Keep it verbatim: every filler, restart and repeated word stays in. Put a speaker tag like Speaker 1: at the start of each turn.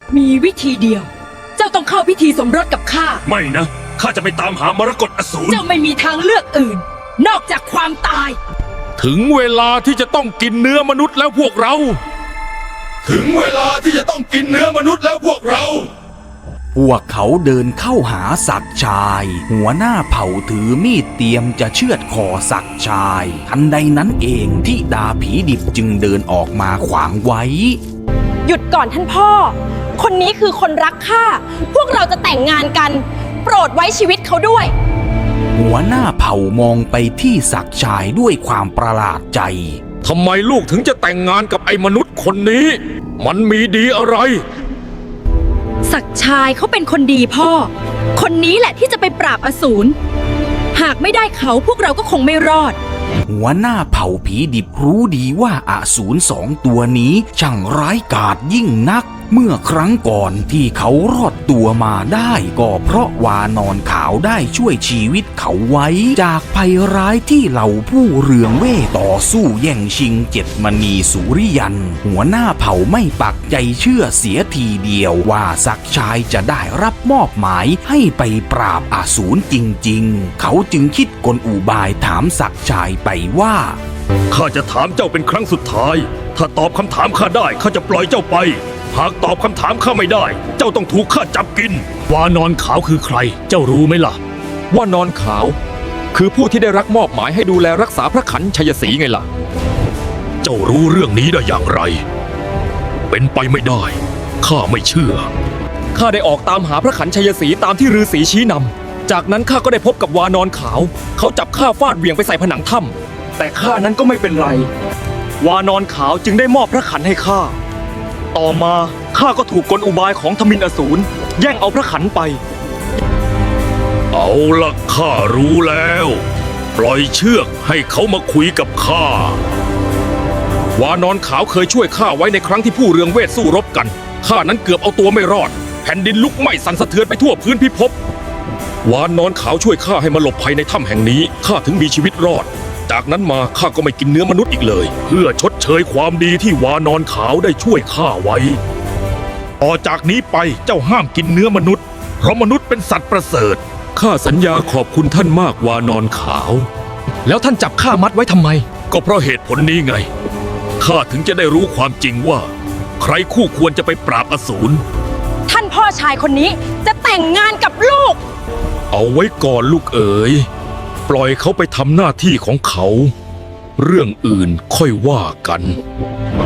Speaker 1: มีวิธีเดียว เจ้าต้องเข้าพิธีสมรสกับข้า
Speaker 2: ไม่นะข้าจะไปตามหามรกตอสูร
Speaker 1: เจ้าไม่มีทางเลือกอื่น นอกจากความตาย
Speaker 3: ถึงเวลาที่จะต้องกินเนื้อมนุษย์แล้วพวกเรา
Speaker 2: ถึงเวลาที่จะต้องกินเนื้อมนุษย์แล้วพวกเรา
Speaker 4: พวกเขาเดินเข้าหาศักดิ์ชาย หัวหน้าเผ่าถือมีดเตรียมจะเชือดคอศักดิ์ชาย ทันใดนั้นเองที่ดาผีดิบจึงเดินออกมาขวางไว้
Speaker 5: หยุดก่อนท่านพ่อ คนนี้คือคนรักข้า พวกเราจะแต่งงานกัน โปรดไว้ชีวิตเขาด้วย
Speaker 4: หัวหน้าเผ่ามองไปที่ศักดิ์ชายด้วยความประหลาดใจ
Speaker 3: ทำไมลูกถึงจะแต่งงานกับไอ้มนุษย์คนนี้ มันมีดีอะไร
Speaker 1: ศักดิ์ชายเขาเป็นคนดีพ่อ คนนี้แหละที่จะไปปราบอสูร หากไม่ได้เขาพวกเราก็คงไม่รอด
Speaker 4: หัวหน้าเผ่าผีดิบรู้ดีว่าอสูรสองตัวนี้ช่างร้ายกาจยิ่งนัก เมื่อครั้งก่อนที่เขารอดตัวมาได้ก็เพราะวานอนขาวได้ช่วยชีวิตเขาไว้จากภัยร้ายที่เหล่าผู้เรืองเว่ต่อสู้แย่งชิงเจ็ดมณีสุริยัน หัวหน้าเผ่าไม่ปักใจเชื่อเสียทีเดียวว่าศักดิ์ชายจะได้รับมอบหมายให้ไปปราบอสูรจริงๆเขาจึงคิดกลอุบายถามศักดิ์ชายไปว่า
Speaker 2: ข้าจะถามเจ้าเป็นครั้งสุดท้าย ถ้าตอบคำถามข้าได้ข้าจะปล่อยเจ้าไป หากตอบคำถามข้าไม่ได้ เจ้าต้องถูกข้าจับกิน วานอนขาวคือใคร เจ้ารู้ไหมล่ะ
Speaker 6: ว่านอนขาว คือผู้ที่ได้รับมอบหมายให้ดูแลรักษาพระขันชัยศรีไงล่ะ
Speaker 2: เจ้ารู้เรื่องนี้ได้อย่างไร เป็นไปไม่ได้ ข้าไม่เชื่อ
Speaker 6: ข้าได้ออกตามหาพระขันชัยศรีตามที่ฤาษีชี้นำ จากนั้นข้าก็ได้พบกับวานอนขาว เขาจับข้าฟาดเหวี่ยงไปใส่ผนังถ้ำแต่ข้านั้นก็ไม่เป็นไร วานอนขาวจึงได้มอบพระขันให้ข้า ต่อมาข้าก็ถูกกลอุบายของทมิฬอสูรแย่งเอาพระขันไป
Speaker 2: เอาละข้ารู้แล้ว ปล่อยเชือกให้เขามาคุยกับข้า
Speaker 3: วานอนขาวเคยช่วยข้าไว้ในครั้งที่ผู้เรืองเวทสู้รบกัน ข้านั้นเกือบเอาตัวไม่รอด แผ่นดินลุกไหม้สั่นสะเทือนไปทั่วพื้นพิภพ วานอนขาวช่วยข้าให้มาหลบภัยในถ้ำแห่งนี้ ข้าถึงมีชีวิตรอด จากนั้นมาข้าก็ไม่กินเนื้อมนุษย์อีกเลย เพื่อชดเชยความดีที่วานอนขาวได้ช่วยข้าไว้ ต่อจากนี้ไปเจ้าห้ามกินเนื้อมนุษย์ เพราะมนุษย์เป็นสัตว์ประเสริฐข้าสัญญาขอบคุณท่านมากวานอนขาว
Speaker 6: แล้วท่านจับข้ามัดไว้ทำไม
Speaker 2: ก็เพราะเหตุผลนี้ไง ข้าถึงจะได้รู้ความจริงว่า ใครคู่ควรจะไปปราบอสูร
Speaker 5: ท่านพ่อชายคนนี้จะแต่งงานกับลูก
Speaker 3: เอาไว้ก่อนลูกเอ๋ย ปล่อยเขาไปทำหน้าที่ของเขา เรื่องอื่นค่อยว่ากัน